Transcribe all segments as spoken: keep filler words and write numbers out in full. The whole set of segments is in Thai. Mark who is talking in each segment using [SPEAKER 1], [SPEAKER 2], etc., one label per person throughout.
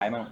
[SPEAKER 1] ตายมั่ง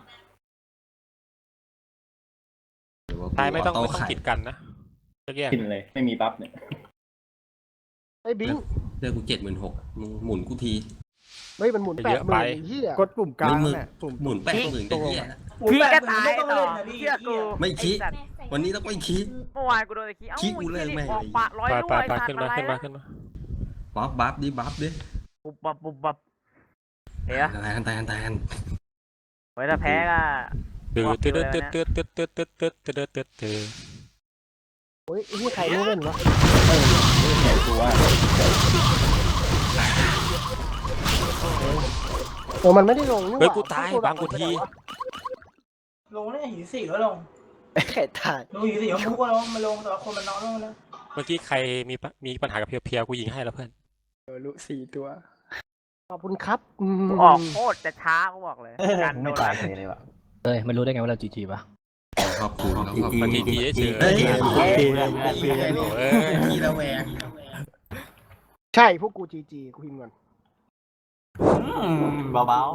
[SPEAKER 2] ตายไม่ต้องไม่ต้องกีดกันนะแยก
[SPEAKER 1] กินเลยไม่มีบัฟเนี่ย
[SPEAKER 3] ไอ้บิง
[SPEAKER 4] เลือกกูเจ็ดหมื่นหกมึงหมุนกูที
[SPEAKER 3] เฮ้ยมันหมุนแปดหมื่นเฮีย
[SPEAKER 5] กดปุ่มกลาง
[SPEAKER 4] ไม่มึง
[SPEAKER 5] เนี่ยปุ่ม
[SPEAKER 4] หมุนแปดหมื่นกันเหี้ย
[SPEAKER 6] พี่ก็ตายต่อเชื่อกู
[SPEAKER 4] ไม่คิด วันนี้ต้องไม่คิด
[SPEAKER 6] เมื่อวานกูโดนตะกี้เอ้า
[SPEAKER 4] คิดกูเลิกแม่ง
[SPEAKER 6] ออกปะร้อย
[SPEAKER 2] ไป
[SPEAKER 6] ลูก
[SPEAKER 2] ไป
[SPEAKER 6] ไอ้
[SPEAKER 2] ไป
[SPEAKER 6] สัต
[SPEAKER 2] ขึ้น
[SPEAKER 6] ว์
[SPEAKER 2] มา
[SPEAKER 6] อะไร
[SPEAKER 2] ขึ้นมา
[SPEAKER 6] นะ
[SPEAKER 2] ขึ้นมา
[SPEAKER 4] บัฟบัฟดิบัฟดิ
[SPEAKER 6] ปุบปับปุบปับเดี๋ยว
[SPEAKER 4] แทนแทนแทน
[SPEAKER 6] ไว้ถ้าแพ้ก็
[SPEAKER 2] ตืดตืดตืดตืดตืดตืดตืดตืดตืดตืดตืดตืด
[SPEAKER 3] โอ้ยไอ้นี่ใครไม่เล่นวะ
[SPEAKER 1] เออแข็งตัว
[SPEAKER 3] โอ้มันไม่ได้ลงนี่หว่า
[SPEAKER 2] เฮ้ยกูตายบางกูที
[SPEAKER 7] ลงเนี่ยหินสี่ก็ลง
[SPEAKER 3] แค่ตาย
[SPEAKER 7] ลงหินสี่ก็มุกก็ลงมาลงแต่ว่าคนมันน้อยลงแล้ว
[SPEAKER 2] เมื่อกี้ใครมีปะมีปัญหากับเพียวๆกูยิงให้แล้วเพื่อน
[SPEAKER 5] ลุสี่ตัว
[SPEAKER 3] ขอบคุณครับอืม
[SPEAKER 6] ออกโคตรจะช้ากูบอกเลยการโดนแล้ว
[SPEAKER 1] เลยว่ะ
[SPEAKER 8] เอ้ยมันรู้ได้ไงว่าเราจีจีปะ
[SPEAKER 4] ขอบคุณขอบคุณ
[SPEAKER 2] มาทีทีเฉย
[SPEAKER 4] เฮ้ย
[SPEAKER 2] เอ้ย
[SPEAKER 4] ทีละแวง
[SPEAKER 3] ใช่พวกกูจีจีกูพิมพ์ก่อน
[SPEAKER 1] เบา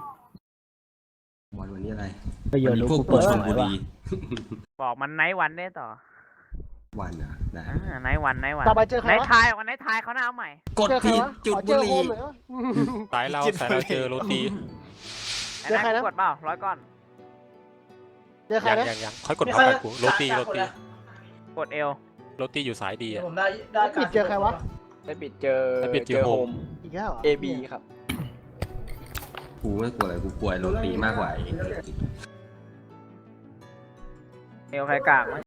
[SPEAKER 4] วันวันนี้อะไร
[SPEAKER 8] ก็เย
[SPEAKER 4] วั
[SPEAKER 8] อะ
[SPEAKER 4] นนี้
[SPEAKER 8] รู้
[SPEAKER 4] พวก
[SPEAKER 8] กู
[SPEAKER 4] กู
[SPEAKER 8] เปิด
[SPEAKER 4] ช
[SPEAKER 8] ห
[SPEAKER 4] ล
[SPEAKER 8] มาย
[SPEAKER 4] บุ
[SPEAKER 8] ว่ะ
[SPEAKER 4] รี
[SPEAKER 6] บอกมันไนท์วันได้ต่อ
[SPEAKER 4] วันอ่ะนะ
[SPEAKER 6] อ่าไนท์วันไนท์วัน
[SPEAKER 3] ต่อไปเจอใคร
[SPEAKER 6] ไนท์
[SPEAKER 3] วะ
[SPEAKER 6] ทายวันไนท์ทายเขาหน้าเอาใหม่
[SPEAKER 4] กด
[SPEAKER 3] เจอใคร
[SPEAKER 4] ผิด
[SPEAKER 3] วะ
[SPEAKER 4] จุด
[SPEAKER 3] ขอเจ
[SPEAKER 4] บุ
[SPEAKER 3] อ
[SPEAKER 4] รี
[SPEAKER 3] โฮมหน่อยวะ
[SPEAKER 2] สายเราสายเราเจอโรตี
[SPEAKER 6] ไอ้
[SPEAKER 3] เจอใคร
[SPEAKER 6] นั่
[SPEAKER 3] นะ
[SPEAKER 6] นกดเปล่าร้อยก้อน
[SPEAKER 3] เจอใคร
[SPEAKER 2] ยัง
[SPEAKER 3] นะ
[SPEAKER 2] ยังยังค่อยกดพร้อมกันกูโรตีโรตี
[SPEAKER 6] กดเอล
[SPEAKER 2] โรตีอยู่สายดี
[SPEAKER 7] เดี๋ยว
[SPEAKER 2] อ่ะ
[SPEAKER 7] ผมได้ได้การ
[SPEAKER 3] ปิดเจอใครวะ
[SPEAKER 5] ได้บิดเจอ
[SPEAKER 2] ได้บิดเจอโฮม
[SPEAKER 3] อีกแล้วเหรอ
[SPEAKER 5] เอบีครับ
[SPEAKER 4] กูไม่กลัวอะไรกูกลัวโรตีมากกว่า
[SPEAKER 6] เอลใครกากวะ